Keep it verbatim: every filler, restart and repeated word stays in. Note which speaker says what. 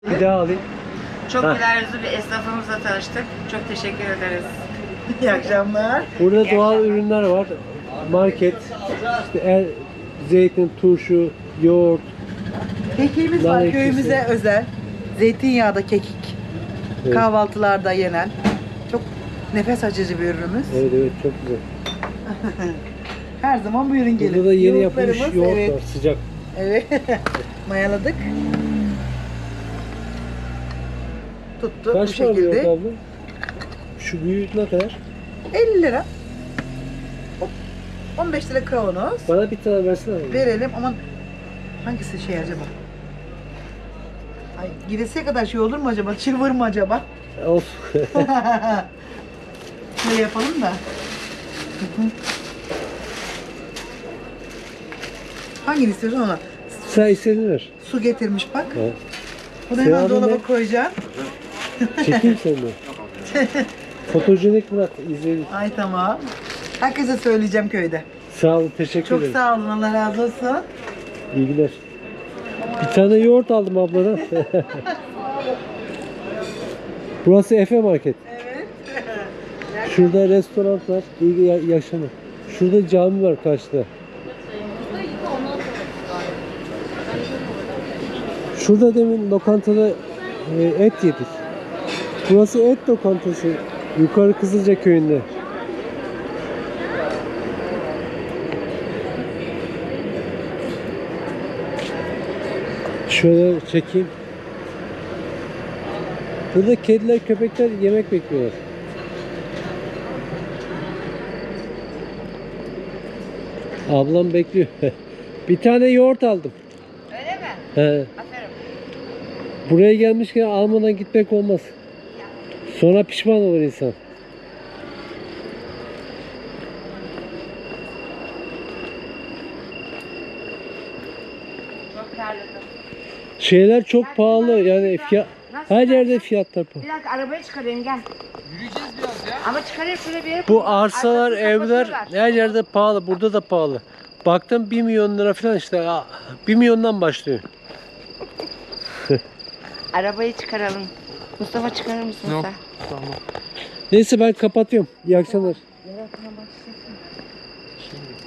Speaker 1: Bir daha alayım.
Speaker 2: Çok
Speaker 1: Ha.
Speaker 2: güler yüzlü bir esnafımızla tanıştık. Çok teşekkür ederiz.
Speaker 3: İyi akşamlar.
Speaker 1: Burada
Speaker 2: İyi
Speaker 1: doğal
Speaker 2: akşamlar.
Speaker 1: ürünler var. Market, işte el, zeytin, turşu, yoğurt.
Speaker 3: Kekiğimiz
Speaker 1: Nar
Speaker 3: var
Speaker 1: ekşisi.
Speaker 3: köyümüze özel. Zeytinyağda kekik.
Speaker 1: Evet.
Speaker 3: Kahvaltılarda yenen. Çok nefes açıcı bir ürünümüz.
Speaker 1: Evet evet çok güzel.
Speaker 3: Her zaman bu ürün gelir.
Speaker 1: Burada da yeni yapılmış
Speaker 3: Yoğurtlarımız,
Speaker 1: yoğurt
Speaker 3: evet.
Speaker 1: var sıcak.
Speaker 3: Evet. Mayaladık. Tuttu
Speaker 1: Kaç
Speaker 3: bu
Speaker 1: var bu yoğurt
Speaker 3: şekilde.
Speaker 1: abla? Şu büyüğü ne kadar?
Speaker 3: elli lira. Hop. on beş lira kavanoz.
Speaker 1: Bana bir tane versene. abi.
Speaker 3: Verelim ama hangisi şey acaba? Ay gidesiye kadar şey olur mu acaba? Çılvır mı acaba?
Speaker 1: Of.
Speaker 3: Şöyle yapalım da. Hangini istiyorsun ona?
Speaker 1: Sen istediğini ver.
Speaker 3: Su getirmiş bak.
Speaker 1: Ha.
Speaker 3: Bunu hemen
Speaker 1: Seyahat
Speaker 3: dolaba
Speaker 1: ne?
Speaker 3: koyacaksın.
Speaker 1: Çekeyim seni de. Fotojenik Murat izleyelim.
Speaker 3: Ay tamam. Herkese söyleyeceğim köyde.
Speaker 1: Sağ olun, teşekkür
Speaker 3: Çok
Speaker 1: ederim.
Speaker 3: sağ olun. Allah razı olsun.
Speaker 1: İyi günler. Bir tane yoğurt aldım abladan. Burası Efe Market.
Speaker 3: Evet.
Speaker 1: Şurada restoran var. İyi ya- yaşamı. Şurada cami var karşıda. Şurada demin lokantada e, et yedik. Burası et lokantası. Yukarı Kızılca köyünde. Şöyle çekeyim. Burada kediler, köpekler yemek bekliyorlar. Ablam bekliyor. Bir tane yoğurt aldım.
Speaker 2: Öyle mi?
Speaker 1: He.
Speaker 2: Aferin.
Speaker 1: Buraya gelmişken almadan gitmek olmaz. Sonra pişman olur insan.
Speaker 2: Çok terledim.
Speaker 1: Şeyler çok pahalı yani fiyat, her yerde fiyatlar pahalı.
Speaker 2: Bir dakika arabayı çıkarayım gel. Yürüyeceğiz biraz ya. Ama çıkarayım şöyle bir yere
Speaker 1: Bu
Speaker 2: koyayım.
Speaker 1: arsalar,
Speaker 2: Arkasını
Speaker 1: evler
Speaker 2: kapatıyorlar.
Speaker 1: her yerde pahalı. Burada da pahalı. Baktım bir milyon lira falan işte. bir milyondan başlıyor.
Speaker 2: Arabayı çıkaralım. Mustafa çıkarır mısın
Speaker 4: Yok.
Speaker 2: sen?
Speaker 4: Tamam.
Speaker 1: Neyse ben kapatıyorum. İyi akşamlar.